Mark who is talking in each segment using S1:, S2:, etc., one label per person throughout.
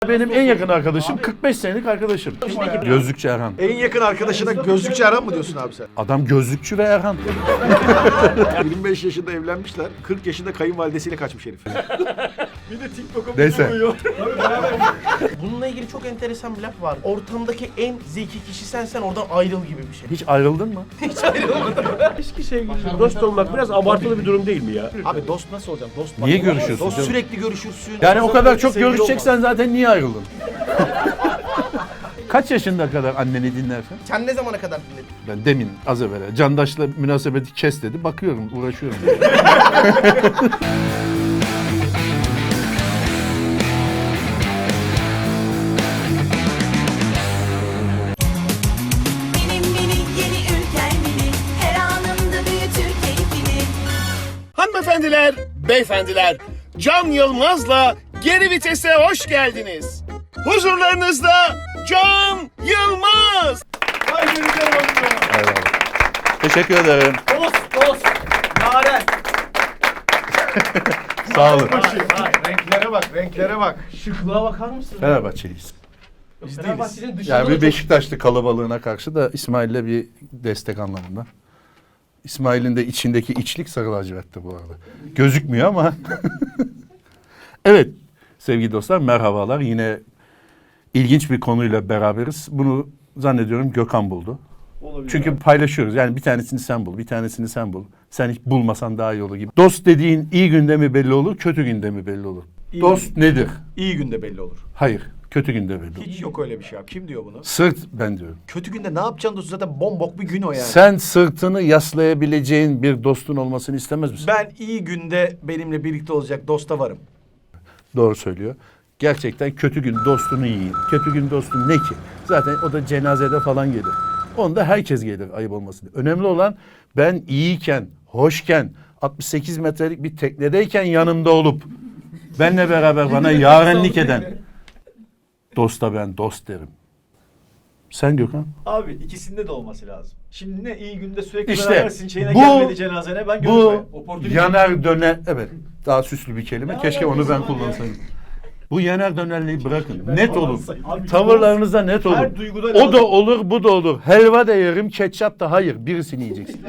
S1: Benim en yakın arkadaşım 45 senelik arkadaşım. Gözlükçü Erhan.
S2: En yakın arkadaşına gözlükçü Erhan mı diyorsun abi sen?
S1: Adam gözlükçü ve Erhan.
S2: 25 yaşında evlenmişler, 40 yaşında kayınvalidesiyle kaçmış herif. Bir de TikTok'a
S1: Neyse.
S2: koyuyor.
S3: Bununla ilgili çok enteresan bir laf var. Ortamdaki en zeki kişi sensen oradan ayrıl gibi bir şey.
S1: Hiç ayrıldın mı?
S4: Eski sevgili dost olmak biraz abartılı bir durum değil mi ya?
S2: Abi dost nasıl olacak? Dost
S1: Niye görüşüyorsun
S2: Dost
S1: canım?
S2: sürekli görüşürsün.
S1: Yani o kadar çok
S2: Sevgili
S1: görüşeceksen zaten niye ayrıldın? Kaç yaşında kadar anneni dinlersin?
S3: Sen ne zamana kadar dinledin?
S1: Ben demin az evvel Candaş'la münasebeti kes dedi. Bakıyorum, uğraşıyorum.
S5: Benim mini yeni ülkem mini, her anımda büyütür keyfini.
S6: Hanımefendiler, beyefendiler, Can Yılmaz'la Geri Vites'e hoş geldiniz. Huzurlarınızda Can Yılmaz.
S1: Teşekkür ederim.
S2: Dost. Yaren.
S1: Sağ olun.
S2: Renklere bak.
S3: Şıklığa bakar mısın?
S1: Fenerbahçeliyiz.
S3: Fenerbahçe'nin dışında
S1: Yani
S3: da
S1: bir
S3: çok-
S1: Beşiktaşlı kalabalığına karşı da İsmail'le bir destek anlamında. İsmail'in de içindeki içlik sarı lacivertti bu arada. Gözükmüyor ama. Evet sevgili dostlar merhabalar. Yine ilginç bir konuyla beraberiz. Bunu zannediyorum Gökhan buldu. Çünkü paylaşıyoruz. Yani bir tanesini sen bul, bir tanesini sen bul. Sen hiç bulmasan daha iyi olur gibi. Dost dediğin iyi günde mi belli olur, kötü günde mi belli olur? Dost nedir?
S2: İyi günde belli olur.
S1: Hayır, kötü günde belli olur.
S2: Hiç yok öyle bir şey abi. Kim diyor bunu?
S1: Sırt ben diyorum.
S2: Kötü günde ne yapacaksın dost? Zaten bombok bir gün o yani.
S1: Sen sırtını yaslayabileceğin bir dostun olmasını istemez misin?
S2: Ben iyi günde benimle birlikte olacak dosta varım.
S1: Doğru söylüyor. Gerçekten kötü gün dostunu yiyin. Kötü gün dostun ne ki? Zaten o da cenazede falan gelir. Onda herkes gelir ayıp olmasın diye. Önemli olan ben iyiyken, hoşken, 68 metrelik bir teknedeyken yanımda olup benle beraber bana yarenlik eden dosta ben dost derim. Sen Gökhan?
S7: Abi ikisinde de olması lazım. Şimdi ne iyi günde sürekli
S1: İşte
S7: berabersin şeyine
S1: bu-
S7: gelmedi cenazene ben görüşmeyeyim.
S1: Bu yanar döner, evet daha süslü bir kelime. Keşke onu ben kullansaydım. Bu yanar dönerliği bırakın. Net olun.
S7: Abi,
S1: Tavırlarınızda net olun.
S7: her duyguda
S1: O
S7: lazım.
S1: da olur, bu da olur. Helva da yerim, ketçap da hayır. Birisini yiyeceksin.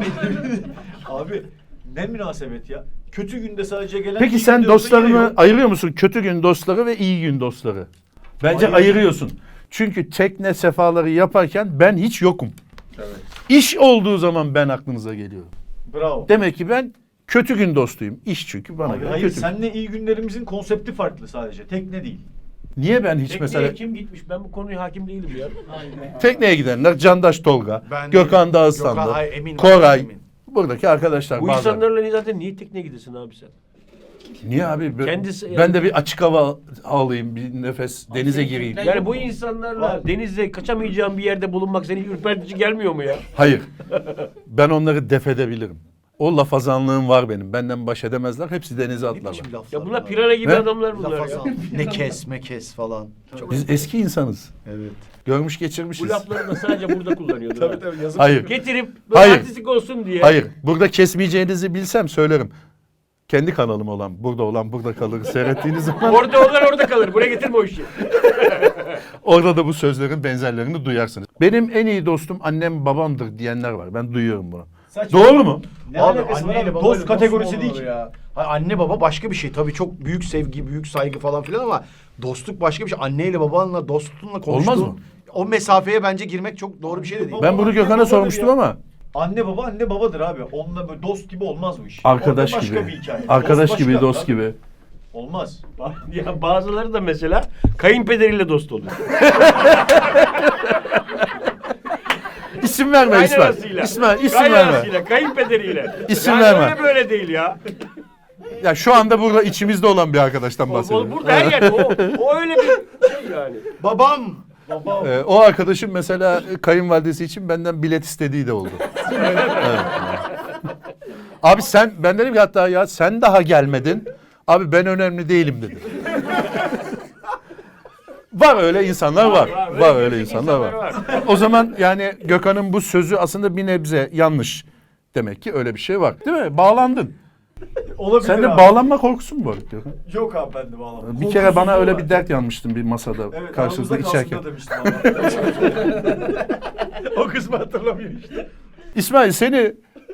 S7: Abi ne münasebet ya. Kötü günde sadece gelen
S1: Peki
S7: iyi
S1: sen
S7: günde olsa yine
S1: dostlarını
S7: yok.
S1: ayırıyor musun? Kötü gün dostları ve iyi gün dostları. Bence ayırıyorsun. Çünkü tekne sefaları yaparken ben hiç yokum.
S7: Evet.
S1: İş olduğu zaman ben aklınıza geliyorum.
S7: Bravo.
S1: Demek ki ben kötü gün dostuyum. İş çünkü bana
S7: Abi,
S1: göre
S7: hayır
S1: kötü.
S7: senle iyi günlerimizin konsepti farklı sadece. Tekne değil.
S1: Niye ben hiç
S4: Tekneye
S1: mesela
S4: kim gitmiş? Ben bu konuya hakim değilim ya.
S1: tekneye gidenler Candaş Tolga,
S2: Ben
S1: Gökhan
S2: değilim.
S1: Dağıstanlı,
S2: Gökhan, hayır, eminim,
S1: Koray,
S2: eminim.
S1: buradaki arkadaşlar
S4: Bu
S1: bazen.
S4: insanlarla zaten niye tekneye gidesin abi sen?
S1: Niye abi?
S4: Kendisi-
S1: Ben de bir açık hava alayım, bir nefes, denize gireyim.
S4: Yani bu insanlarla denizde kaçamayacağın bir yerde bulunmak seni ürpertici gelmiyor mu ya?
S1: Hayır. Ben onları def edebilirim. O lafazanlığım var benim. Benden baş edemezler. Hepsi denize
S2: Ne
S1: atlarlar.
S2: biçim laflar
S4: Ya bunlar
S2: var
S4: pirana gibi
S1: Ne?
S4: adamlar bunlar ya.
S2: Lafazan. Ne kes mekes falan. Çok
S1: Biz eski insanız.
S2: evet.
S1: Görmüş
S4: Bu
S1: geçirmişiz.
S4: lafları da sadece burada kullanıyordur. ha.
S2: Tabii yazık.
S1: Hayır.
S4: Getirip böyle
S1: Hayır.
S4: artistik olsun diye.
S1: Hayır. Burada kesmeyeceğinizi bilsem söylerim. Kendi kanalım olan, burada kalır seyrettiğiniz zaman
S4: Orada olan orada kalır. Buraya getirme o işi.
S1: orada da bu sözlerin benzerlerini duyarsınız. Benim en iyi dostum annem babamdır diyenler var. Ben duyuyorum bunu.
S7: Saçma.
S1: Doğru mu?
S7: Ne alakası var abi? Dost kategorisi değil ki.
S2: Ya. Hayır, anne baba başka bir şey. Tabii çok büyük sevgi, büyük saygı falan filan ama dostluk başka bir şey. Anneyle babanla, dostunla konuştuğun
S1: Olmaz mı?
S2: o mesafeye bence girmek çok doğru bir şey de değil.
S1: Ben bunu
S7: Anne
S1: Gökhan'a
S7: babadır
S1: sormuştum
S7: ya.
S1: ama
S7: Anne baba anne babadır abi. Onunla böyle dost gibi olmaz bu iş.
S1: arkadaş
S7: Orada başka
S1: gibi.
S7: bir hikaye.
S1: Arkadaş
S7: Dost
S1: gibi,
S7: başka.
S1: dost
S7: Tabii.
S1: gibi.
S7: Olmaz.
S4: Ya bazıları da mesela kayınpederiyle dost oluyor.
S1: İsim verme İsmail.
S4: Kaynanasıyla.
S1: İsmail isim verme.
S4: Kaynanasıyla, kayınpederiyle.
S1: İsim
S4: yani
S1: verme.
S4: öyle böyle değil ya.
S1: Ya şu anda burada içimizde olan bir arkadaştan bahsediyorum.
S4: Burada her yerde o öyle bir şey yani.
S2: Babam
S1: O arkadaşım mesela kayınvalidesi için benden bilet istediği de oldu. Evet. Abi ben dedim ki hatta ya sen daha gelmedin. Abi ben önemli değilim dedim. Var öyle insanlar var. Var öyle insanlar var. O zaman yani Gökhan'ın bu sözü aslında bir nebze yanlış. Demek ki öyle bir şey var. Değil mi? Bağlandın.
S7: Olabilir
S1: Sende
S7: abi.
S1: bağlanma korkusu mu var Gökhan?
S7: Yok abi bende bağlama.
S1: Bir kere bana
S7: Korkusuzluğu
S1: öyle
S7: var.
S1: bir dert yanmıştın bir masada
S7: Evet,
S1: karşılıklı
S7: aramızda kalsın
S1: içerken.
S7: da demiştim ama.
S2: O kısmı hatırlamıyor işte.
S1: İsmail seni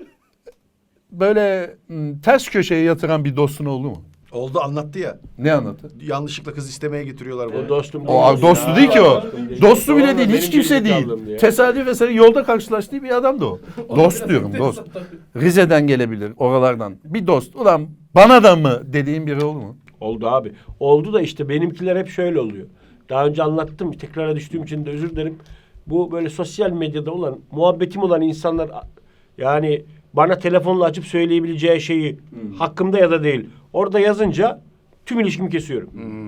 S1: böyle ters köşeye yatıran bir dostun oldu mu?
S2: Oldu, anlattı ya.
S1: Ne anlattı?
S2: Yanlışlıkla kız istemeye getiriyorlar
S4: O
S2: bunu.
S4: dostum
S1: O
S4: değil.
S1: dostu
S4: Ya,
S1: değil ki o.
S4: dostum değil.
S1: Dostu bile
S4: Doğru,
S1: değil. Hiç
S4: benim
S1: kimse
S4: gerizekalım
S1: değil.
S4: diye.
S1: Tesadüf eseri yolda karşılaştığı bir adamdı o. Dost diyorum dost. Rize'den gelebilir oralardan. Bir dost. Ulan bana da mı dediğin biri oldu mu?
S4: Oldu abi. Oldu da işte benimkiler hep şöyle oluyor. Daha önce anlattım. Tekrara düştüğüm için de özür dilerim. Bu böyle sosyal medyada olan, muhabbetim olan insanlar yani bana telefonla açıp söyleyebileceği şeyi hakkımda ya da değil. Orada yazınca tüm ilişkimi kesiyorum.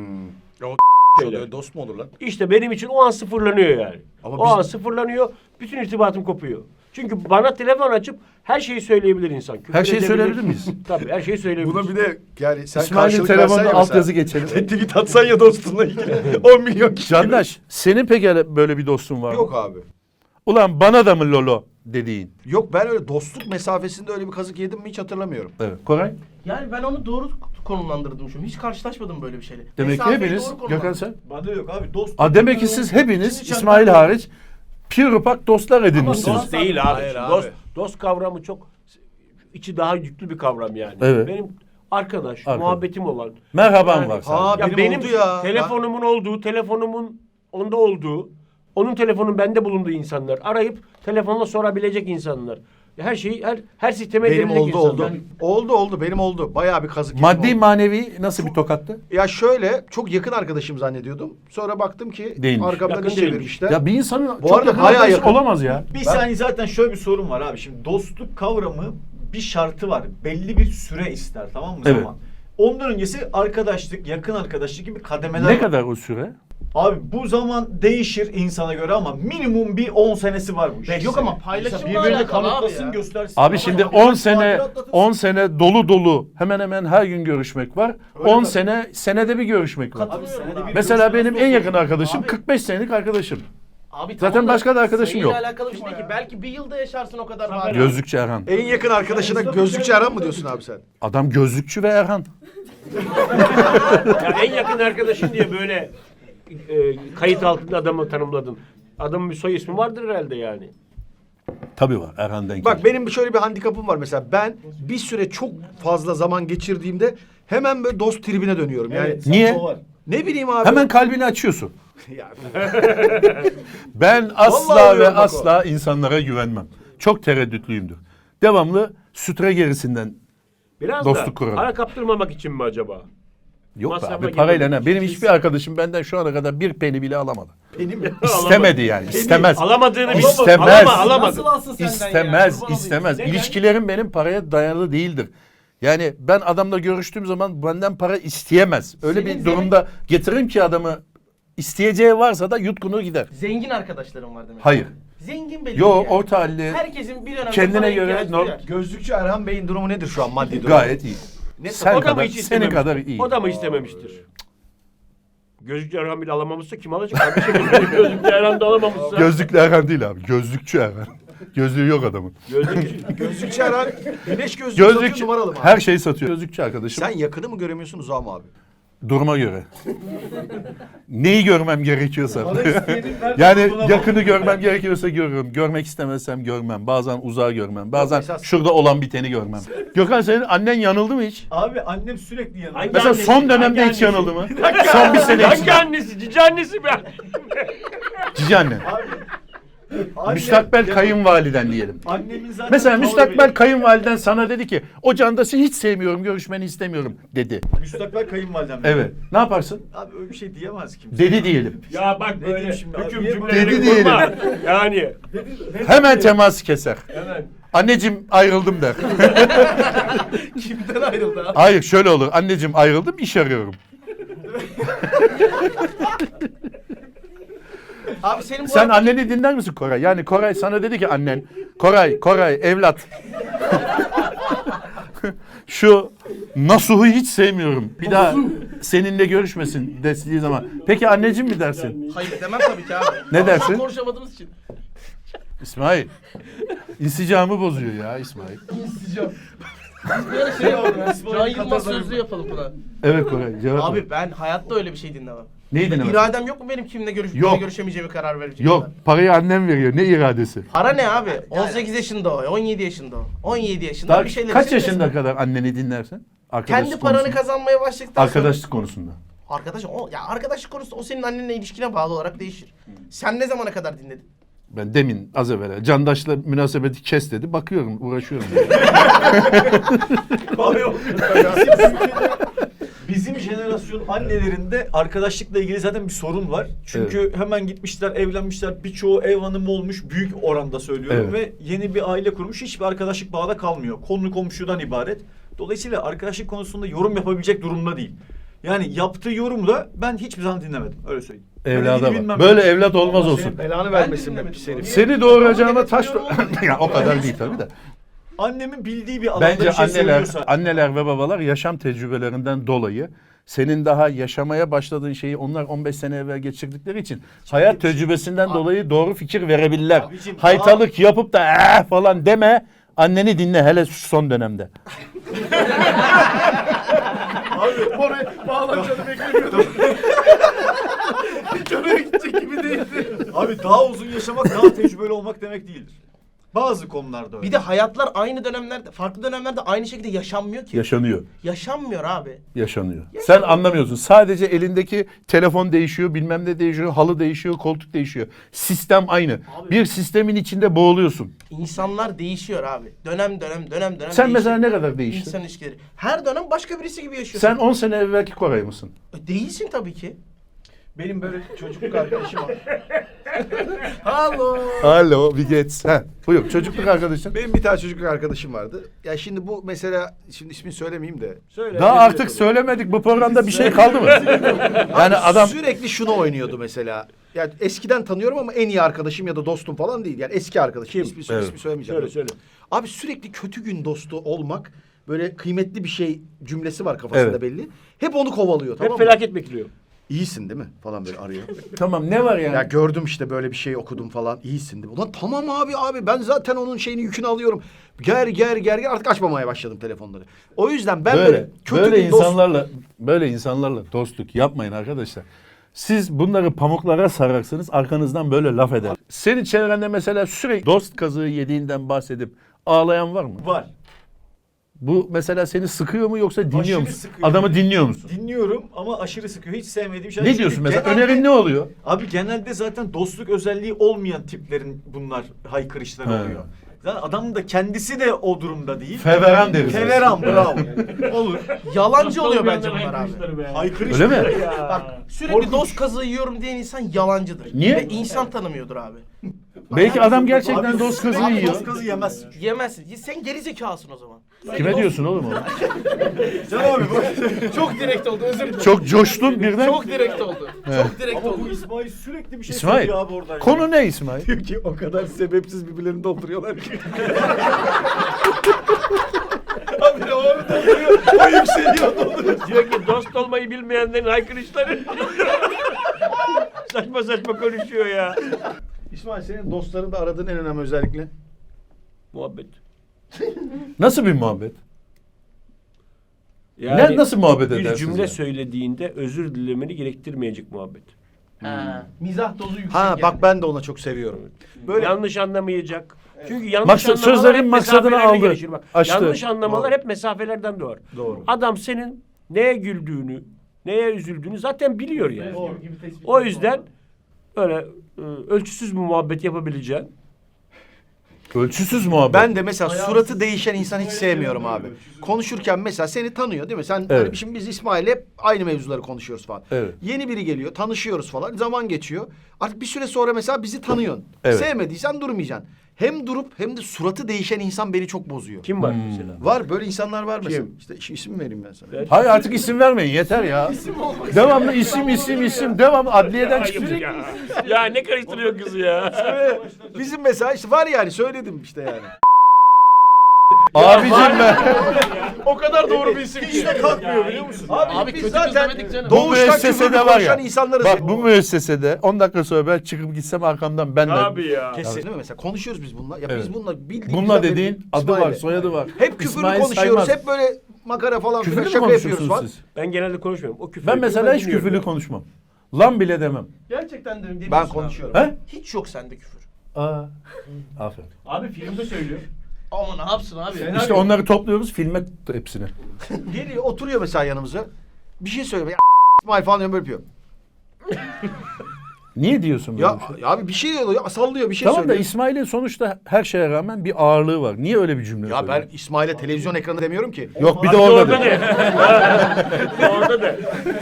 S2: Şöyle dost mu olur lan?
S4: İşte benim için o an sıfırlanıyor yani.
S2: Ama
S4: O
S2: biz-
S4: an sıfırlanıyor. Bütün irtibatım kopuyor. Çünkü bana telefon açıp her şeyi söyleyebilir insan. Küfür
S1: Her şeyi
S4: edebilir.
S1: söyleyebilir miyiz?
S4: Tabii her şeyi söyleyebilir.
S2: Buna bir de yani sen
S1: İsmail'in
S2: karşılık versen
S1: telefonuna
S2: ya
S1: altyazı
S2: mesela.
S1: geçelim.
S2: Tweet atsan ya dostunla ilgili. 10 milyon kişi.
S1: Candaş senin peki böyle bir dostun var mı?
S2: Yok abi.
S1: Ulan bana da mı Lolo dediğin?
S2: Yok, ben öyle dostluk mesafesinde öyle bir kazık yedim mi hiç hatırlamıyorum.
S1: Evet. Koray?
S3: Yani ben onu doğru konumlandırdım şu an. Hiç karşılaşmadım böyle bir şeyle.
S1: Demek ki
S3: Mesafeyi
S1: hepiniz,
S3: doğru konumlandırdım.
S1: Gökhan sen?
S7: Bende yok abi. Dost.
S1: Demek ki siz hepiniz
S7: Hiç
S1: İsmail
S7: anlamıyorum.
S1: hariç pirupak dostlar edinmişsiniz.
S4: Dost değil abi.
S2: Hayır abi.
S4: Dost kavramı çok içi daha yüklü bir kavram yani.
S1: Evet.
S4: Benim arkadaş, muhabbetim olan.
S1: Merhaban
S4: Yani-
S1: var
S2: Ha,
S1: sadece.
S4: Ya
S2: benim
S4: benim
S2: oldu ya.
S4: telefonumun olduğu, telefonumun onda olduğu, onun telefonun bende bulunduğu insanlar. Arayıp telefonla sorabilecek insanlar. Her şeyi, her sisteme
S2: Benim
S4: girebilecek
S2: oldu
S4: insanlar.
S2: oldu. Benim oldu. Bayağı bir kazık yedim
S1: Maddi
S2: oldu.
S1: manevi nasıl bir tokattı?
S2: Ya şöyle, çok yakın arkadaşım zannediyordum. Sonra baktım ki
S1: Değilmiş.
S2: arkamdan
S4: Yakın
S2: iş
S4: değilmiş.
S2: çevirmişler.
S1: Ya bir insanın
S2: Bu
S1: çok
S2: arada
S1: yakın
S2: bayağı
S1: arkadaşı
S2: yakın.
S1: olamaz ya.
S7: Bir saniye, zaten şöyle bir sorun var abi. Şimdi dostluk kavramı bir şartı var. Belli bir süre ister, tamam mı?
S1: Evet.
S7: Zaman. Ondan öncesi arkadaşlık, yakın arkadaşlık gibi kademeler
S1: Ne
S7: var.
S1: kadar o süre?
S7: Abi bu zaman değişir insana göre ama minimum bir 10 senesi var bu işin.
S3: Yok ama paylaşımla
S7: Mesela birbirini
S3: alakalı abi
S7: kanıtlasın,
S3: ya.
S7: göstersin.
S1: Abi
S7: Ama
S1: şimdi
S7: birkaç
S1: 10 sene
S7: saattir atlatırsın.
S1: 10 sene dolu hemen hemen her gün görüşmek var.
S7: Öyle
S1: 10
S7: tabii.
S1: sene senede bir görüşmek var.
S7: Abi senede bir
S1: Mesela
S7: görüşme
S1: benim
S7: nasıl
S1: en
S7: olur?
S1: yakın arkadaşım
S3: Abi-
S1: 45 senelik arkadaşım.
S3: Abi
S1: Zaten
S3: tamam da
S1: başka da arkadaşım
S3: sayıyla
S1: yok.
S3: alakalı bir şey değil ki. Belki bir yılda yaşarsın o kadar var.
S1: Gözlükçü Erhan.
S2: En yakın arkadaşına gözlükçü Erhan mı diyorsun abi sen?
S1: Adam gözlükçü ve Erhan.
S4: Ya en yakın arkadaşın diye böyle kayıt altında adamı tanımladın. Adamın bir soy ismi vardır herhalde yani.
S1: Tabii var Erhan denk.
S2: Bak benim şöyle bir handikapım var mesela. Ben bir süre çok fazla zaman geçirdiğimde hemen böyle dost tribine dönüyorum. Yani
S7: Evet,
S1: Niye?
S7: o var.
S2: ne bileyim abi.
S1: Hemen kalbini açıyorsun.
S2: Ya,
S1: Ben asla
S2: Vallahi
S1: ve
S2: diyorum bak
S1: asla insanlara güvenmem. Çok tereddütlüyümdür. Devamlı sütre gerisinden
S4: Biraz
S1: Dostluk
S4: da
S1: kuralım.
S4: para kaptırmamak için mi acaba?
S1: yok be
S4: Masrafa
S1: abi parayla
S4: girmemek
S1: ne? Benim
S4: için.
S1: hiçbir arkadaşım benden şu ana kadar bir peni bile alamadı.
S2: benim
S1: İstemedi yani. İstemez.
S4: Alamadığını bil.
S1: İstemez.
S4: Alamadı.
S3: Nasıl alsın senden ya?
S1: İstemez,
S3: Kurban olayım.
S1: istemez.
S4: Neden?
S1: İlişkilerim benim paraya dayalı değildir. Yani ben adamla görüştüğüm zaman benden para isteyemez. Öyle
S3: Senin
S1: bir durumda getiririm ki adamı isteyeceği varsa da yutkunur gider.
S3: Zengin arkadaşlarım var demek.
S1: Hayır.
S3: Zengin belli.
S1: Yo
S3: yani.
S1: orta halli
S3: Herkesin bir dönemde
S1: kendine
S3: paraya
S1: göre
S3: ihtiyacı duyar.
S2: gözlükçü Erhan Bey'in durumu nedir şu an maddi durumu?
S1: gayet iyi.
S2: Ne
S1: Sen
S4: O da mı
S1: kadar,
S4: hiç
S1: senin
S4: istememiştir?
S1: kadar iyi.
S4: O da mı istememiştir? Gözlükçü Erhan bile alamamışsa kim alacak? Kardeşim gözlükçü Erhan da alamamışsa.
S1: Gözlüklü Erhan değil abi. Gözlükçü Erhan. Gözlüğü yok adamın.
S4: Gözlükçü.
S2: Gözlükçü Erhan güneş gözlüğü satıyor,
S1: Gözlükçü
S2: numaralı mı?
S1: her şeyi satıyor. Gözlükçü arkadaşım.
S2: Sen yakını mı göremiyorsun uzağı mı abi?
S1: Duruma göre. Neyi görmem gerekiyorsa.
S7: Para isteyenin nerede
S1: Yani
S7: olduğuna
S1: yakını
S7: bak.
S1: görmem gerekiyorsa görürüm. Görmek istemezsem görmem. Bazen uzağı görmem. Bazen
S2: esas-
S1: şurada olan biteni görmem. Gökhan senin annen yanıldı mı hiç?
S7: Abi annem sürekli yanında.
S4: Hangi
S1: Mesela
S4: annesi?
S1: son dönemde
S4: Hangi
S1: hiç
S4: annesi?
S1: yanıldı mı? Son bir sene
S4: Hangi
S1: içinde.
S4: annesi? Cici annesi mi?
S1: Cici anne.
S7: Annem-
S1: Müstakbel
S7: Ya,
S1: kayınvaliden diyelim.
S7: Annemin zaten
S1: Mesela
S7: tavrı
S1: müstakbel
S7: belli.
S1: kayınvaliden sana dedi ki o Candaş'ı hiç sevmiyorum, görüşmeni istemiyorum dedi.
S7: Müstakbel kayınvalidem.
S1: Evet. Ne yaparsın?
S7: Abi öyle bir şey diyemez kimse.
S1: Dedi diyelim.
S4: Ya bak
S7: Ne
S4: böyle
S7: diyeyim şimdi abi?
S4: hüküm
S7: Niye
S4: cümleleri
S1: böyle-
S4: kurma. Yani.
S1: Hemen teması keser.
S4: Hemen.
S1: Anneciğim ayrıldım der.
S3: Kimden ayrıldı abi?
S1: Hayır şöyle olur. Anneciğim ayrıldım iş arıyorum.
S3: Abi senin bu
S1: Sen anneni dinler misin Koray? Yani Koray sana dedi ki annen. Koray evlat. Şu Nasuh'u hiç sevmiyorum. Bir daha seninle görüşmesin dediği zaman. Peki anneciğim mi dersin?
S3: Hayır demem tabii ki abi.
S1: Ne dersin?
S3: Konuşamadığımız için.
S1: İsmail. İnsicamı bozuyor ya İsmail.
S3: Bir ara şey yapalım ya. Can Yılmaz sözlü yapalım buna.
S1: Evet Koray cevap ver.
S3: Abi ben hayatta öyle bir şey dinlemem.
S1: Neyi dinlemezsin?
S3: İradem yok mu benim kimle
S1: Yok.
S3: görüşemeyeceğimi karar verecek?
S1: Yok parayı annem veriyor. Ne iradesi?
S3: Para ne abi? 18 yaşında o, 17 yaşında o. 17 yaşında
S1: Daha
S3: bir şeyler
S1: kaç
S3: için
S1: yaşında
S3: desin.
S1: kadar anneni dinlersin?
S3: Kendi paranı kazanmaya başladıktan sonra...
S1: Arkadaşlık konusunda.
S3: Arkadaşlık konusu o senin annenle ilişkine bağlı olarak değişir. Sen ne zamana kadar dinledin?
S1: Ben demin az evvel Candaş'la münasebeti kes dedi. Bakıyorum, uğraşıyorum.
S7: Bizim jenerasyon annelerinde arkadaşlıkla ilgili zaten bir sorun var. Çünkü hemen gitmişler, evlenmişler. Birçoğu ev hanımı olmuş. Büyük oranda söylüyorum. Ve yeni bir aile kurmuş. Hiçbir arkadaşlık bağda kalmıyor. Konu komşudan ibaret. Dolayısıyla arkadaşlık konusunda yorum yapabilecek durumda değil. Yani yaptığı yorumu da ben hiçbir zaman dinlemedim. Öyle söyleyeyim.
S1: Evlada
S7: bilmem
S1: bak. Böyle
S7: ne.
S1: evlat olmaz olsun.
S2: Senin belanı vermesin be pis herif.
S1: Seni doğuracağıma taş... ya o kadar değil tabii de.
S7: Annemin bildiği bir alanda
S1: Bence
S7: bir şey söylüyorsa...
S1: anneler ve babalar yaşam tecrübelerinden dolayı senin daha yaşamaya başladığın şeyi onlar 15 sene evvel geçirdikleri için hayat tecrübesinden dolayı doğru fikir verebilirler.
S7: Abicim,
S1: Haytalık yapıp da falan deme. Anneni dinle hele şu son dönemde.
S2: Oraya bağlanacağını beklemiyordum. Hiç oraya gidecek gibi değildi.
S7: Abi daha uzun yaşamak daha tecrübeli olmak demek değildir. Bazı konularda öyle.
S3: Bir de hayatlar aynı dönemlerde, farklı dönemlerde aynı şekilde yaşanmıyor ki.
S1: Yaşanıyor.
S3: Yaşanmıyor abi.
S1: Yaşanıyor. Sen anlamıyorsun. Sadece elindeki telefon değişiyor, bilmem ne değişiyor, halı değişiyor, koltuk değişiyor. Sistem aynı. Bir sistemin içinde boğuluyorsun.
S3: İnsanlar değişiyor abi. Dönem
S1: Sen
S3: değişiyor.
S1: mesela ne kadar değiştin?
S3: İnsan ilişkileri. Her dönem başka birisi gibi yaşıyorsun.
S1: Sen 10 sene evvelki Koray mısın?
S3: Değilsin tabii ki.
S2: Benim böyle çocukluk arkadaşım var.
S1: Alo, bir geç. Buyur, çocukluk arkadaşın.
S2: Benim bir tane çocukluk arkadaşım vardı. Ya şimdi bu mesela, şimdi ismini söylemeyeyim de.
S7: Söyle.
S1: Daha artık söylemedik, bu programda bir şey kaldı mı? Yani adam...
S2: Sürekli şunu oynuyordu mesela. Yani eskiden tanıyorum ama en iyi arkadaşım ya da dostum falan değil. Yani eski arkadaşım. İsmi söylemeyeceğim.
S7: Söyle.
S2: Abi sürekli kötü gün dostu olmak, böyle kıymetli bir şey cümlesi var kafasında
S1: Evet.
S2: belli. Hep onu kovalıyor, tamam
S4: Hep
S2: mı?
S4: felaket bekliyor.
S2: İyisin değil mi? Falan böyle arıyor.
S1: Tamam, ne var yani?
S2: Ya gördüm işte böyle bir şey okudum falan. İyisin değil mi? Ulan tamam abi ben zaten onun şeyini yükünü alıyorum. Ger artık açmamaya başladım telefonları. O yüzden ben böyle kötü
S1: böyle
S2: gün dost...
S1: insanlarla dostluk yapmayın arkadaşlar. Siz bunları pamuklara sararsınız, arkanızdan böyle laf eder. Senin çevrende mesela sürekli dost kazığı yediğinden bahsedip ağlayan var mı?
S7: Var.
S1: Bu mesela seni sıkıyor mu yoksa dinliyor
S7: Aşırı
S1: musun?
S7: sıkıyor.
S1: Adamı dinliyor musun?
S7: Dinliyorum ama aşırı sıkıyor. Hiç sevmediğim şey.
S1: Ne
S7: Çünkü
S1: diyorsun mesela?
S7: genelde-
S1: Önerin ne oluyor?
S7: Abi genelde zaten dostluk özelliği olmayan tiplerin bunlar haykırışları
S1: He.
S7: oluyor. Zaten adam da kendisi de o durumda değil.
S1: Feveran deriz.
S7: Feveran bravo. Olur.
S3: Yalancı oluyor bence bunlar abi.
S7: Haykırış.
S1: Öyle mi?
S3: Bak sürekli dost kazığı yiyorum diyen insan yalancıdır.
S1: Niye?
S3: Ve insan tanımıyordur abi.
S1: Belki adam gerçekten
S7: Abi
S1: dost kazığı
S7: sürekli
S1: yiyor.
S7: Dost kazı yemezsin.
S3: Yemezsin. Sen gerizekalısın o zaman.
S1: Kime diyorsun oğlum onu?
S7: Can abi bu.
S3: Çok direkt oldu, özür dilerim.
S1: Çok coştun birden.
S3: Çok direkt oldu. Çok direkt
S7: Ama bu
S3: oldu.
S7: İsmail sürekli bir şey
S1: İsmail,
S7: söylüyor abi oradan.
S1: konu ne İsmail?
S2: Diyor ki o kadar sebepsiz birbirlerini dolduruyorlar ki. Abi o dolduruyor, o yükseliyor.
S4: Diyor ki dost olmayı bilmeyenlerin haykırışları. Saçma saçma konuşuyor ya.
S2: İsmail, senin dostlarında aradığın en önemli özellikle?
S4: Muhabbet.
S1: Nasıl bir muhabbet?
S4: Yani
S1: Nasıl muhabbet
S4: bir
S1: edersiniz?
S4: cümle
S1: yani?
S4: söylediğinde özür dilemeni gerektirmeyecek muhabbet.
S3: Ha, mizah dozu yüksek.
S2: Ha
S3: yani.
S2: bak ben de ona çok seviyorum. Böyle
S4: Yanlış anlamayacak. Çünkü yanlış anlamalar
S1: sözlerin
S4: hep
S1: maksadını
S4: mesafelerle
S1: aldı,
S4: gelişir. Bak,
S1: açtı.
S4: yanlış anlamalar
S2: Doğru.
S4: hep mesafelerden doğar.
S2: Doğru.
S4: Adam senin neye güldüğünü, neye üzüldüğünü zaten biliyor yani. O yüzden öyle ölçüsüz bir muhabbet yapabileceğin.
S1: Ölçüsüz muhabbet.
S2: ben de mesela suratı değişen insan hiç sevmiyorum abi. Konuşurken mesela seni tanıyor değil mi? Sen
S1: Evet.
S2: hani şimdi biz İsmail'le hep aynı mevzuları konuşuyoruz falan.
S1: Evet.
S2: Yeni biri geliyor, tanışıyoruz falan. Zaman geçiyor. Artık bir süre sonra mesela bizi tanıyorsun.
S1: Evet.
S2: Sevmediysen durmayacaksın. Hem durup hem de suratı değişen insan beni çok bozuyor.
S4: Kim var mesela?
S2: Var böyle insanlar var mesela.
S4: Kim?
S2: İşte isim vereyim ben sana.
S1: Hayır artık isim vermeyin yeter ya. Devamlı isim devamlı adliyeden
S4: Ayıp
S1: çıkacak.
S4: ya. Ya ne karıştırıyor kızı ya?
S2: Bizim mesela işte var yani söyledim işte yani.
S1: Abicim ben.
S3: O kadar doğru bir isim ki.
S7: Hiç de kalkmıyor biliyor musun?
S3: Abi
S2: biz
S3: kötü
S2: zaten
S3: kız demedik canım.
S1: Bu
S2: doğuştan
S1: müessesede
S2: küfürlü
S1: var ya.
S2: konuşan insanlarız.
S1: Bak bu müessesede 10 dakika sonra ben çıkıp gitsem arkamdan ben de.
S4: Abi ya.
S2: Kesin değil mi? Mesela konuşuyoruz biz bununla. Ya
S1: Evet.
S2: biz bununla bildiğimizden
S1: Bununla
S2: beri
S1: dediğin adı var,
S2: İsmail'le.
S1: soyadı var.
S2: Hep küfürlü
S1: İsmail
S2: konuşuyoruz.
S1: Saymaz.
S2: Hep böyle makara falan
S1: Küfürlü
S2: filan
S1: mü
S2: şaka yapıyoruz
S1: konuşuyorsunuz
S2: falan.
S1: siz?
S4: Ben genelde konuşmuyorum. O küfür
S1: Ben
S4: ediyor,
S1: mesela hiç
S4: dinliyorum.
S1: küfürlü konuşmam. Lan bile demem.
S3: Gerçekten de demiyorsun
S2: Ben
S3: abi.
S2: konuşuyorum.
S1: He?
S3: Hiç yok sende küfür.
S1: Aa. Aferin.
S4: Abi filmde söylüyor.
S3: Ama ne yapsın abi?
S1: İşte onları topluyoruz filme hepsini.
S2: Geliyor oturuyor mesela yanımıza. Bir şey söylüyor. Ya İsmail falan diyor böyle yapıyor.
S1: Niye diyorsun böyle
S2: Ya,
S1: bir şey?
S2: ya abi bir şey diyor, ya sallıyor bir şey
S1: Tamam da
S2: söylüyor.
S1: İsmail'in sonuçta her şeye rağmen bir ağırlığı var. Niye öyle bir cümle
S2: Ya
S1: söylüyor?
S2: ben İsmail'e televizyon ekranı demiyorum ki.
S1: Yok bir
S4: Abi
S1: de orada
S4: orada
S1: de.
S4: de. Orada da.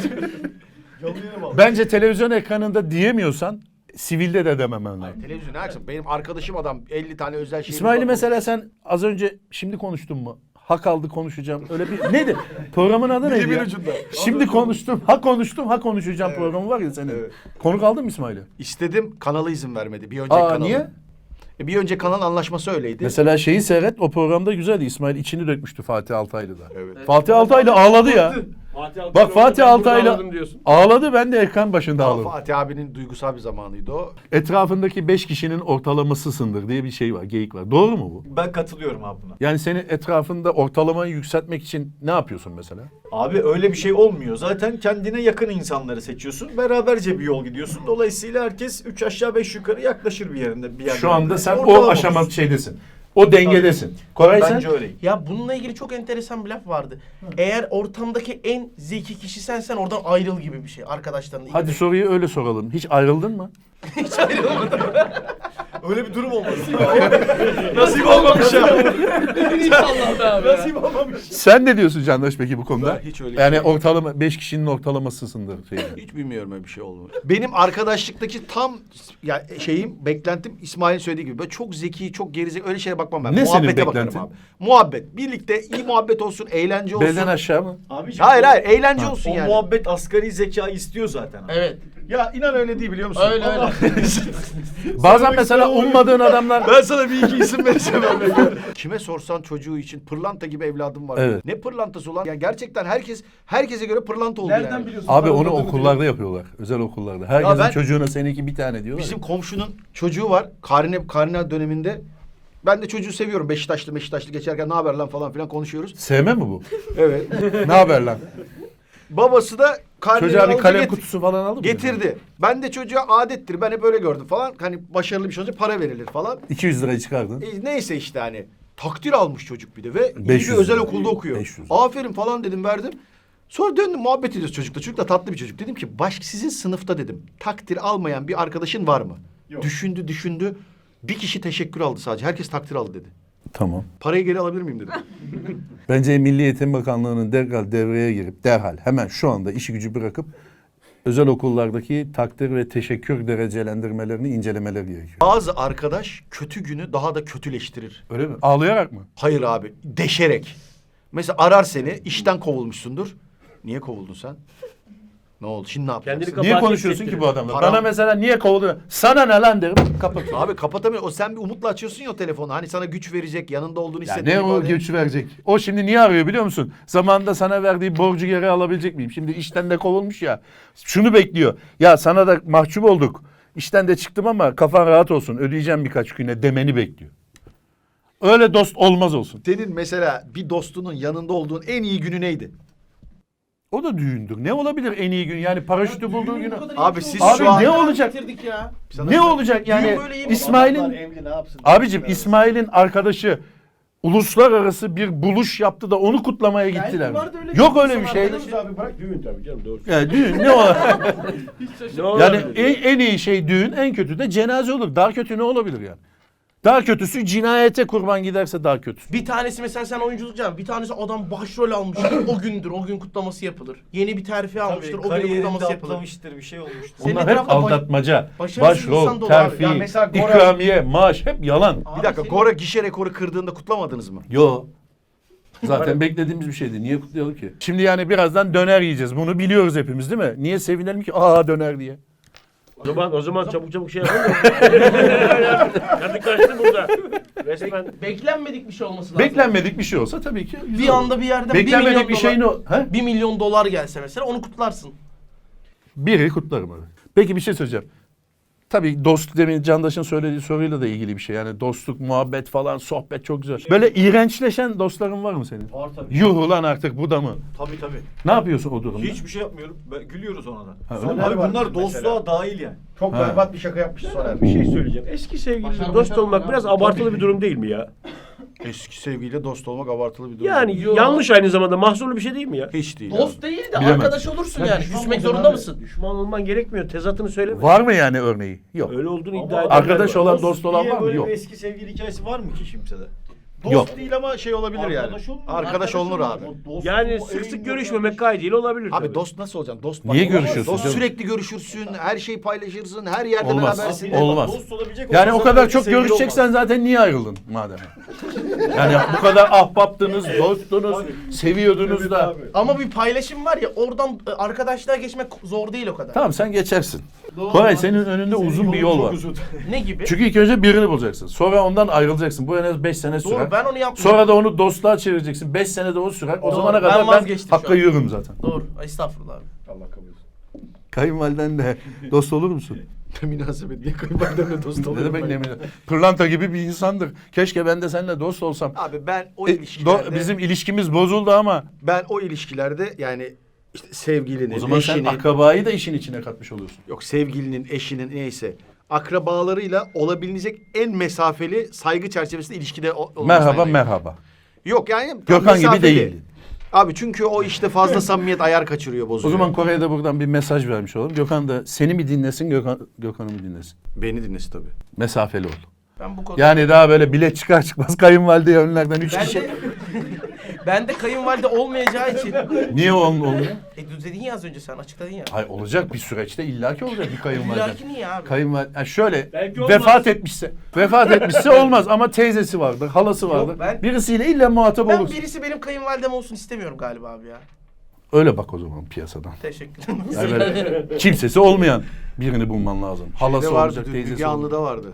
S1: Bence televizyon ekranında diyemiyorsan sivilde de dememen lazım.
S2: Televizyon ne yapsın? Benim arkadaşım adam 50 tane özel şey.
S1: İsmail'i mesela sen az önce şimdi konuştun mu? Hak aldı konuşacağım. Öyle bir neydi? Programın adı neydi ya? Şimdi konuştum. Ha konuştum, ha konuşacağım programı var ya senin. Konuk aldın mı İsmail'i?
S2: İstedim, kanalı izin vermedi. Bir önceki
S1: Aa
S2: kanalı.
S1: niye?
S2: Bir önceki kanalın anlaşması öyleydi.
S1: Mesela şeyi seyret, o programda güzeldi. İsmail içini dökmüştü Fatih Altaylı'da.
S2: Evet.
S1: Fatih Altaylı ağladı ya. Bak Fatih Altaylı
S4: diyorsun.
S1: ağladı, ben de ekran başında
S2: Ama
S1: ağladım.
S2: Fatih abinin duygusal bir zamanıydı o.
S1: Etrafındaki 5 kişinin ortalamasısındır diye bir şey var, geyik var. Doğru mu bu?
S7: Ben katılıyorum abi buna.
S1: Yani senin etrafında ortalamayı yükseltmek için ne yapıyorsun mesela?
S7: Abi öyle bir şey olmuyor. Zaten kendine yakın insanları seçiyorsun. Beraberce bir yol gidiyorsun. Dolayısıyla herkes 3 aşağı 5 yukarı yaklaşır bir yerinde. Bir
S1: Şu anda sen o
S7: Ortalama
S1: aşama
S7: olsun.
S1: şeydesin. O dengedesin. Koray sen?
S7: Bence öyle.
S3: Ya bununla ilgili çok enteresan bir laf vardı. Eğer ortamdaki en zeki kişi sen oradan ayrıl gibi bir şey arkadaşlarınla.
S1: Hadi soruyu öyle soralım. Hiç ayrıldın mı?
S3: Hiç ayrılmadım.
S7: Öyle bir durum olmaz.
S2: Nasip olmamış ya.
S3: İnşallah be abi.
S2: Nasip olmamış.
S1: Sen ne diyorsun Candaş peki bu konuda?
S2: Ben hiç öyle
S1: Yani
S2: şey-
S1: ortalama 5 kişinin ortalamasısındır.
S2: Hiç bilmiyorum öyle bir şey oldu. Benim arkadaşlıktaki tam ya beklentim İsmail'in söylediği gibi. Böyle çok zeki, çok gerizekalı öyle şeye bakmam ben.
S1: Ne senin
S2: Muhabbete bakarım
S1: beklentin?
S2: abi. Muhabbet. Birlikte iyi muhabbet olsun, eğlence olsun.
S1: Belden aşağı mı?
S7: Abiciğim,
S2: Hayır eğlence olsun
S7: o
S2: yani.
S7: muhabbet asgari zekayı istiyor zaten. Abi.
S3: Evet.
S2: Ya inan öyle değil biliyor musun?
S3: Öyle öyle.
S1: Bazen mesela ummadığın adamlar...
S2: Ben sana bir iki isim vereceğim. Kime sorsan çocuğu için pırlanta gibi evladım var.
S1: Evet.
S2: Ne pırlantası ulan? Yani gerçekten herkese göre pırlanta oldu yani.
S3: biliyorsun?
S1: Abi onu okullarda yapıyorlar. Özel okullarda. Herkesin
S2: ben-
S1: çocuğuna seninki bir tane diyorlar.
S2: Bizim
S1: ya.
S2: komşunun çocuğu var. Karne döneminde. Ben de çocuğu seviyorum. Beşiktaşlı geçerken ne haber lan falan filan konuşuyoruz.
S1: Sevme mi bu?
S2: Evet.
S1: Ne haber lan?
S2: Babası da karneyi
S1: Çocuğa bir
S2: alınca
S1: kalem kutusu falan aldın mı?
S2: getirdi. Ben de çocuğa adettir. Ben hep öyle gördüm falan. Hani başarılı bir şey olunca para verilir falan.
S1: 200 lirayı çıkardın.
S2: Neyse işte hani. Takdir almış çocuk bir de ve iyi
S1: 500
S2: bir özel
S1: lira.
S2: okulda okuyor.
S1: 500.
S2: Aferin falan dedim verdim. Sonra döndüm muhabbet ediyoruz çocukla. Çocuk da tatlı bir çocuk. Dedim ki sizin sınıfta dedim takdir almayan bir arkadaşın var mı? Yok. Düşündü. Bir kişi teşekkür aldı sadece. Herkes takdir aldı dedi.
S1: Tamam.
S2: Parayı geri alabilir miyim dedim.
S1: Bence Milli Eğitim Bakanlığı'nın derhal devreye girip hemen şu anda işi gücü bırakıp özel okullardaki takdir ve teşekkür derecelendirmelerini incelemeleri gerekiyor.
S2: Bazı arkadaş kötü günü daha da kötüleştirir.
S1: Öyle mi? Ağlayarak mı?
S2: Hayır abi deşerek. Mesela arar seni işten kovulmuşsundur. Niye kovuldun sen? Ne oldu? Şimdi ne yapacaksın?
S4: Kendini
S1: Niye
S4: kabahat
S1: konuşuyorsun ki bu
S4: hissettirir.
S1: adamla?
S2: Param-
S1: Bana mesela niye kovdu? Sana ne lan derim. Kapat.
S2: Abi kapatamıyor. O sen bir umutla açıyorsun ya o telefonu. Hani sana güç verecek, yanında olduğunu
S1: Ya
S2: hissettiğin
S1: ne o
S2: ifade-
S1: güç verecek? O şimdi niye arıyor biliyor musun? Zamanında sana verdiği borcu geri alabilecek miyim? Şimdi işten de kovulmuş ya. Şunu bekliyor. Ya sana da mahcup olduk. İşten de çıktım ama kafan rahat olsun. Ödeyeceğim birkaç güne demeni bekliyor. Öyle dost olmaz olsun.
S2: Senin mesela bir dostunun yanında olduğun en iyi günü neydi?
S1: O da düğündür. Ne olabilir en iyi gün? Yani paraşütü bulduğu günü.
S2: Abi siz
S1: Abi
S2: şu an...
S1: ne olacak?
S3: Bitirdik ya.
S1: Ne olacak yani?
S3: Düğün böyle iyi mi?
S1: İsmail'in abicim İsmail'in arkadaşı uluslararası bir buluş yaptı da onu kutlamaya gittiler.
S3: vardı öyle
S1: Yok
S3: bir
S1: öyle bir
S3: insan
S1: şey.
S3: arkadaşı.
S4: Abi bırak düğün tabii canım doğru.
S1: Yani düğün ne olabilir?
S4: Ne
S1: Yani
S4: olabilir?
S1: en iyi şey düğün, en kötü de cenaze olur. Daha kötü ne olabilir yani? Daha kötüsü cinayete kurban giderse daha kötü.
S3: Bir tanesi mesela sen oyunculuk yapıyorsun. Bir tanesi adam başrol almıştır. O gündür. O gün kutlaması yapılır. Yeni bir terfi almıştır. O gün
S7: Kariyerinde
S3: kutlaması yapılır.
S7: atlamıştır bir şey olmuştur.
S3: Senin
S1: Bunlar hep
S3: etrafında
S1: aldatmaca,
S3: başarısız insan
S1: başrol,
S3: dolu
S1: terfi,
S3: abi. Ya
S2: mesela Gora-
S1: ikramiye, maaş hep yalan.
S2: Bir dakika Gora gişe rekoru kırdığında kutlamadınız mı?
S1: Yo. Zaten beklediğimiz bir şeydi. Niye kutlayalım ki? Şimdi yani birazdan döner yiyeceğiz. Bunu biliyoruz hepimiz değil mi? Niye sevinelim ki? Aa döner diye.
S4: O zaman çabuk şey yapalım. Kadı kaçtı burada. Resmen.
S3: Beklenmedik bir şey olması lazım.
S1: Beklenmedik bir şey olsa tabii ki.
S3: Bir anda bir yerden 1
S1: beklenmedik
S3: milyon
S1: bir şeyin
S3: dolar,
S1: o. He?
S3: 1 milyon dolar gelse mesela onu kutlarsın.
S1: Biri kutlarım abi. Peki bir şey söyleyeceğim. Tabii dost demin Candaş'ın söylediği soruyla da ilgili bir şey. Yani dostluk, muhabbet falan, sohbet çok güzel. Böyle iğrençleşen dostların var mı senin?
S7: Var tabii.
S1: Yuh ulan artık bu da mı?
S7: Tabii.
S1: Ne yapıyorsun o durumda?
S7: Hiçbir şey yapmıyorum. Gülüyoruz ona da.
S1: Ha, öyle mi?
S7: Abi bunlar
S2: Mesela.
S7: dostluğa dahil yani.
S2: Çok
S1: Ha.
S2: berbat bir şaka yapmış Soner.
S4: Bir şey söyleyeceğim. Eski sevgiliyle dost olmak biraz abartılı bir durum değil mi ya?
S2: Eski sevgiliyle dost olmak abartılı bir durum.
S4: Yani
S3: Yo.
S4: yanlış aynı zamanda mahzurlu bir şey değil mi ya?
S2: Hiç değil.
S3: Dost değil de
S1: Bilemem.
S3: arkadaş olursun yani. Küsmek
S4: olmayacaksın
S3: zorunda
S4: abi.
S3: mısın?
S4: Düşman olman gerekmiyor. Tezatını söyleme.
S1: Var mı yani örneği? Yok.
S4: Öyle olduğunu
S7: Ama
S4: iddia ederler.
S1: arkadaş
S4: var.
S1: olan, dost olan
S7: diye
S1: var mı?
S7: böyle
S1: Yok.
S7: bir eski sevgili hikayesi var mı ki kimsede?
S2: Dost
S1: Yok.
S2: değil ama şey olabilir yani. Arkadaş olunur abi.
S4: Yani sık sık görüşmemek kaydıyla olabilir.
S2: Abi
S4: tabii.
S2: dost nasıl olacaksın? Dost
S1: Niye
S2: olamaz.
S1: görüşüyorsun
S2: Dost
S1: canım?
S2: sürekli görüşürsün, her şeyi paylaşırsın, her yerde
S1: Olmaz.
S2: berabersin.
S1: Olmaz.
S7: Dost olabilecek
S1: Yani o
S7: olsa
S1: kadar
S7: zaten
S1: çok
S7: sevgili
S1: görüşeceksen
S7: olmaz.
S1: zaten niye ayrıldın madem? Yani bu kadar ahbaptınız, dostunuz, seviyordunuz da.
S7: Abi.
S3: Ama bir paylaşım var ya oradan arkadaşlığa geçmek zor değil o kadar.
S1: Tamam sen geçersin.
S3: Doğru.
S1: Koray senin önünde uzun bir yol
S7: Çok
S1: var.
S7: uzun.
S3: Ne gibi?
S1: Çünkü ilk önce birini bulacaksın. Sonra ondan ayrılacaksın. Bu en az 5 sene sürer.
S3: Doğru ben onu yapmıyorum.
S1: Sonra da onu dostluğa çevireceksin. 5 senede o sürer. O
S3: Doğru,
S1: zamana
S3: ben
S1: kadar ben
S3: vazgeçtim şu
S1: hakka
S3: an.
S1: yürürüm zaten.
S3: Doğru. Estağfurullah abi.
S2: Allah kabul etsin.
S1: Kayınvalidenle dost olur musun?
S2: Ne münasebet, niye kayınvalidemle dost
S1: Ne
S2: olurum
S1: demek
S2: ben?
S1: ne bileyim. Pırlanta gibi bir insandır. Keşke ben de seninle dost olsam.
S2: Abi ben o
S1: E,
S2: ilişkilerde...
S1: bizim ilişkimiz bozuldu ama
S2: Ben o ilişkilerde yani işte sevgilinin,
S1: o zaman sen
S2: eşinin...
S1: akrabayı da işin içine katmış oluyorsun.
S2: Yok sevgilinin, eşinin neyse akrabalarıyla olabilecek en mesafeli saygı çerçevesinde ilişkide olmasına
S1: Merhaba
S2: yanayım.
S1: merhaba.
S2: Yok yani
S1: Gökhan gibi
S2: mesafeli.
S1: değil.
S2: Abi çünkü o işte fazla samimiyet ayar kaçırıyor,
S1: O
S2: bozuyor.
S1: zaman Kore'ye de buradan bir mesaj vermiş olalım. Gökhan da seni mi dinlesin, Gökhan'ı mı dinlesin?
S2: Beni dinlesin tabii.
S1: Mesafeli ol.
S3: Ben bu konuda...
S1: Yani daha böyle bilet çıkar çıkmaz kayınvalideye önlerden 3
S3: Ben
S1: kişi.
S3: de, ben de kayınvalide olmayacağı için...
S1: Niye olmuyor?
S3: dedin ya az önce sen açıkladın ya.
S1: Hayır olacak bir süreçte illaki olacak bir kayınvalide.
S3: İllaki niye abi?
S1: Kayınvalide yani şöyle
S4: Belki olmaz.
S1: vefat etmişse olmaz ama teyzesi vardır, halası vardır.
S3: ben-
S1: Birisiyle illa muhatap
S3: Ben
S1: olursun.
S3: birisi benim kayınvalidem olsun istemiyorum galiba abi ya.
S1: Öyle bak o zaman piyasadan.
S3: Teşekkür
S1: Yani böyle kimsesi olmayan birini bulman lazım. Halası
S2: Ne vardı?
S1: olacak, teyzesi
S2: Müge
S1: olacak.
S2: Anlı'da vardı.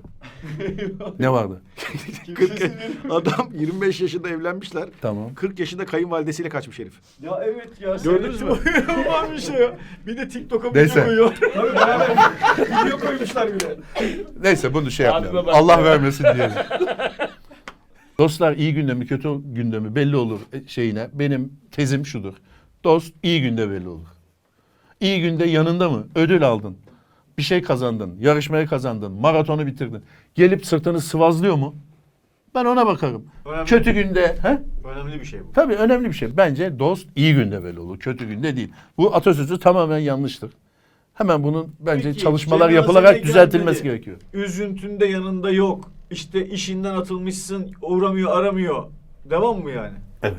S1: Ne vardı?
S2: 40, adam 25 yaşında evlenmişler.
S1: Tamam.
S2: 40 yaşında kayınvalidesiyle kaçmış herif.
S7: Ya evet ya.
S2: Gördünüz mü?
S7: Var bir şey ya. Bir de TikTok'a
S1: Neyse.
S7: video koyuyor. Tabii beraber video koymuşlar bile.
S1: Neyse bunu şey
S4: Abime
S1: yapmayalım.
S4: bak
S1: Allah
S4: ya.
S1: vermesin diyelim. Dostlar iyi günde mi kötü günde mi belli olur şeyine. Benim tezim şudur. Dost iyi günde belli olur. İyi günde yanında mı? Ödül aldın. Bir şey kazandın. Yarışmayı kazandın. Maratonu bitirdin. Gelip sırtını sıvazlıyor mu? Ben ona bakarım.
S7: Önemli.
S1: Kötü günde... He?
S7: Önemli bir şey bu.
S1: Tabii önemli bir şey. Bence dost iyi günde belli olur. Kötü günde değil. Bu atasözü tamamen yanlıştır. Hemen bunun bence
S7: Peki,
S1: çalışmalar
S7: cenazene
S1: yapılarak düzeltilmesi
S7: gelmedi.
S1: gerekiyor.
S7: Üzüntünde yanında yok. İşte işinden atılmışsın, uğramıyor, aramıyor. Devam mı yani?
S1: Evet.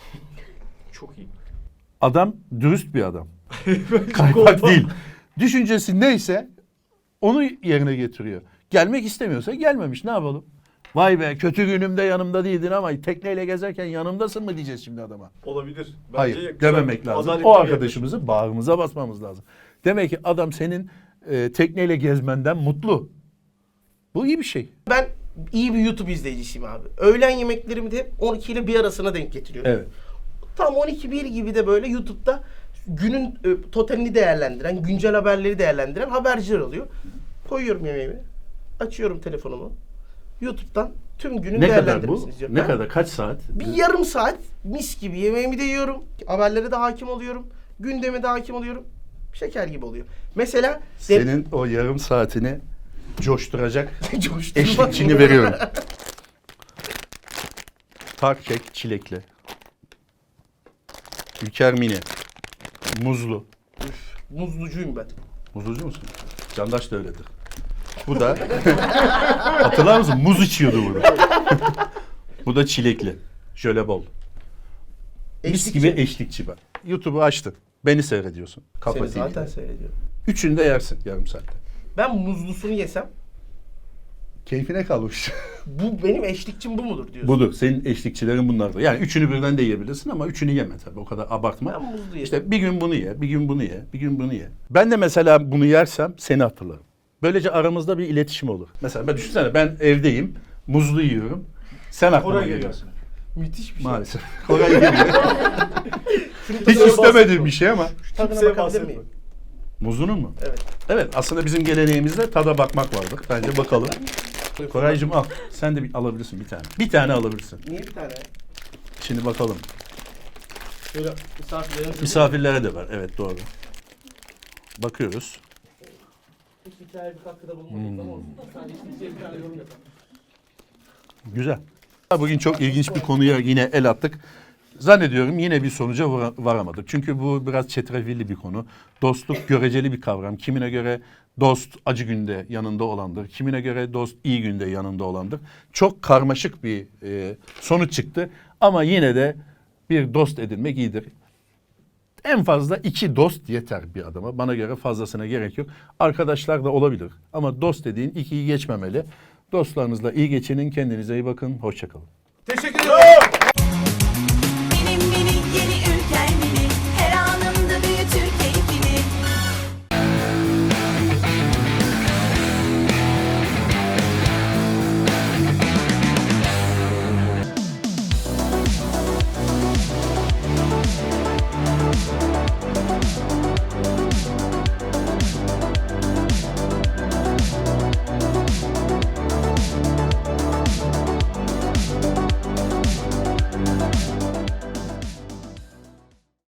S7: Çok iyi.
S1: Adam dürüst bir adam.
S7: Kaypak
S1: Kaypak değil. Düşüncesi neyse onu yerine getiriyor. Gelmek istemiyorsa gelmemiş. Ne yapalım? Vay be kötü günümde yanımda değildin ama tekneyle gezerken yanımdasın mı diyeceğiz şimdi adama.
S7: Olabilir. Bence
S1: Hayır
S7: güzel,
S1: dememek lazım.
S7: adaletli
S1: O
S7: bir
S1: arkadaşımızı bağrımıza basmamız lazım. Demek ki adam senin tekneyle gezmenden mutlu. Bu iyi bir şey.
S3: Ben iyi bir YouTube izleyicisiyim abi. Öğlen yemeklerimi de 12 ile 1 arasına denk getiriyorum.
S1: Evet.
S3: Tam 12-1 gibi de böyle YouTube'da günün totalini değerlendiren, güncel haberleri değerlendiren haberciler oluyor. Koyuyorum yemeğimi, açıyorum telefonumu. YouTube'dan tüm günün
S1: Ne kadar bu?
S3: değerlendirmesini izliyorum.
S1: Ne
S3: Ha?
S1: kadar? Kaç saat?
S3: Bir yarım saat mis gibi yemeğimi de yiyorum. Haberlere de hakim oluyorum. Gündeme de hakim oluyorum. Şeker gibi oluyor. Mesela
S1: Senin o yarım saatini coşturacak
S3: Coşturma.
S1: eşlikçini veriyorum. Tart kek çilekli. Ülker mini. Muzlu.
S3: Muzlucuyum ben.
S1: Muzlucu musun? Candaş da öyledir. Bu da hatırlar mısın? Muz içiyordu burada. Bu da çilekli. Şöyle bol. Mis
S3: Eşlikçi.
S1: gibi eşlikçi ben. YouTube'u açtın. Beni seyrediyorsun. Kafa
S3: Seni
S1: TV'de.
S3: zaten seyrediyorum.
S1: Üçünü de yersin yarım saatte.
S3: Ben muzlusunu yesem
S1: Keyfine kalmış.
S3: bu benim eşlikçim bu mudur diyorsun.
S1: Budur. Senin eşlikçilerin bunlardır. Yani üçünü birden de yiyebilirsin ama üçünü yeme tabii. O kadar abartma.
S3: Ben muzlu yerim.
S1: İşte bir gün bunu ye, bir gün bunu ye, bir gün bunu ye. Ben de mesela bunu yersem seni hatırlarım. Böylece aramızda bir iletişim olur. Mesela ben düşünsene, ben evdeyim, muzlu yiyorum. Sen aklıma
S7: Koray
S1: geliyorsun.
S3: Müthiş bir şey.
S1: Maalesef. Koray geliyor.
S3: Şunun
S1: Hiç
S3: tadına
S1: istemediğim bir şey ama.
S3: Tadına
S7: Kimseye
S3: bakabilir
S7: bahsetme.
S3: miyim?
S1: Muzlunun mu?
S3: Evet.
S1: Evet, aslında bizim geleneğimizde tada bakmak vardır. Bence bakalım. Koraycığım al. Sen de alabilirsin bir tane. Bir tane alabilirsin.
S3: Niye bir tane?
S1: Şimdi bakalım.
S3: Şöyle misafirlerimiz...
S1: Misafirlere de var. Evet, doğru. Bakıyoruz.
S3: Hiç hikaye bir katkıda bulunmadık ama olsun. Sadece bir tane yorum yapalım.
S1: Güzel. Bugün çok ilginç bir konuya yine el attık. Zannediyorum yine bir sonuca varamadık. Çünkü bu biraz çetrefilli bir konu. Dostluk göreceli bir kavram. Kimine göre dost acı günde yanında olandır. Kimine göre dost iyi günde yanında olandır. Çok karmaşık bir sonuç çıktı. Ama yine de bir dost edinmek iyidir. En fazla 2 dost yeter bir adama. Bana göre fazlasına gerek yok. Arkadaşlar da olabilir. Ama dost dediğin 2'yi geçmemeli. Dostlarınızla iyi geçinin. Kendinize iyi bakın. Hoşça kalın.
S3: Teşekkür ederim.